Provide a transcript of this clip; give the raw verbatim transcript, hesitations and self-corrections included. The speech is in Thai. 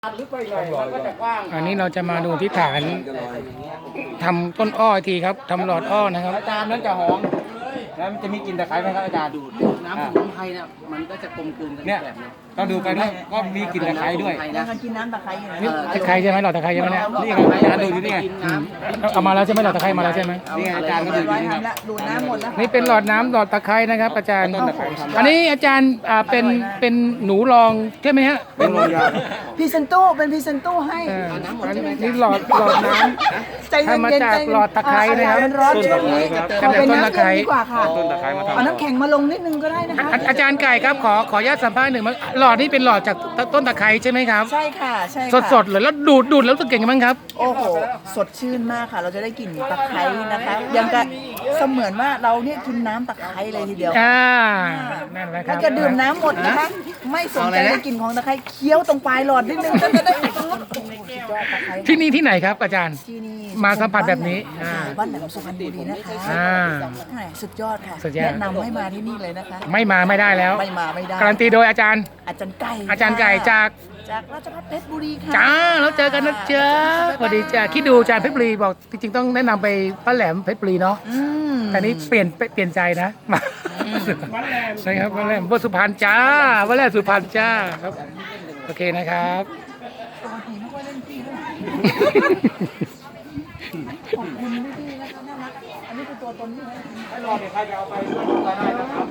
ลึกไปหน่อยมันก็จะกว้างอันนี้เราจะมาดูที่ฐานทำต้นอ้ออีกทีครับทำหลอดอ้อนะครับอาจารย์นั้นจะหอมแล้วมันจะมีกลิ่นตะไคร้ไหมครับอาจารย์ดูดน้ำสมุนไพรเนี่ยมันก็จะกลมกลืนกันเนี่ยแบบนี้ต้องดูไปด้วยก็มีกลิ่นตะไคร้ด้วยยังกันกินน้ำตะไคร้อยู่นะนี่ตะไคร้ใช่ไหมหลอดตะไคร้ใช่ไหมเนี่ยนี่ไงอาจารย์ดูอยู่นี่ไงอืมเอามาแล้วใช่ไหมหลอดตะไคร้มาแล้วใช่ไหมนี่ไงอาจารย์ก็ดูอยู่นี่ครับละดูดน้ำหมดแล้วนี่เป็นหลอดน้ำหลอดตะไคร้นะครับ อาจารย์ต้นตะไคร้ทำอันนี้อาจารย์อ่าเป็นเป็นหนูรองใช่ไหมฮะเป็นโรงยาพรีเซนโต้เป็นพรีเซนโต้ให้เอออันนี้หลอดหลอดน้ใจทำมาจากหลอดตะไคร้นะครับมันร้อนช่วงนี้ต้นตะไคร้เอาเป็นน้ำเย็นดีกว่าค่ะต้นตะไคร้มาทำเอาน้ำแข็งมาลงนิดนึงก็ได้นะคะำอาอาจารย์ไก่ครับขอขออนุญาตสัมภาษณ์หนึ่งมั้งหลอดนี่เป็นหลอดจากต้นตะไคร้ใช่ไหมครับใช่ค่ะใช่สค่ะดสดๆเลยแล้วดูดดูดแล้วรู้สึกยังไงบ้างครับโอ้โหสดชื่นมากค่ะ เราจะได้กลิ่นตะไคร้นะคะยังกับเสมือนว่าเราเนี่ยกินน้ำตะไคร้เลยทีเดียวอ่านั่นแหละครัถ้าบจะดื่มน้ำหมดนะคะไม่สนใจในกลิ่นของตะไคร้เคี้ยวตรงปลายหลอดนิดนึงก็จะได้โอ้โหสุดยอดตะไคร้ที่นี่ที่ไหนครับอาจารย์ที่นี่มาสัมผัสแบบนี้อ่าบ้านแหลมสุพรรณบุรีนะคะอ่าแหม่สุดยอดค่ะสุดยอดแนะนำให้มาที่นี่เลยนะคะไม่มาไม่ได้แล้วไม่มาไม่ได้การันตีโดยอาจารย์อาจารย์ไก่อาจารย์ไก่จากจากราชภัฏเพชรบุรีค่ะจ้าแล้วเจอกันนะเจ้าสวัสดีจ้าคิดดูอาจารย์เพชรบุรีบอกจริงๆต้องแนะนำไปป้าแหลมเพชรบุรีเนาะอืมแต่นี้เปลี่ยนเปลี่ยนใจนะมานะครับป้าแหลมป้าสุพรรณจ้าป้าแหลมสุพรรณจ้าครับโอเคนะครับปกติไม่ค่อยเล่นพี่ด้วยขอบคุณพี่ๆนะคะน่ารักอันนี้คือตัวตนที่แท้จริงให้รอเนี่ยใครจะเอาไปก็ได้นะครับ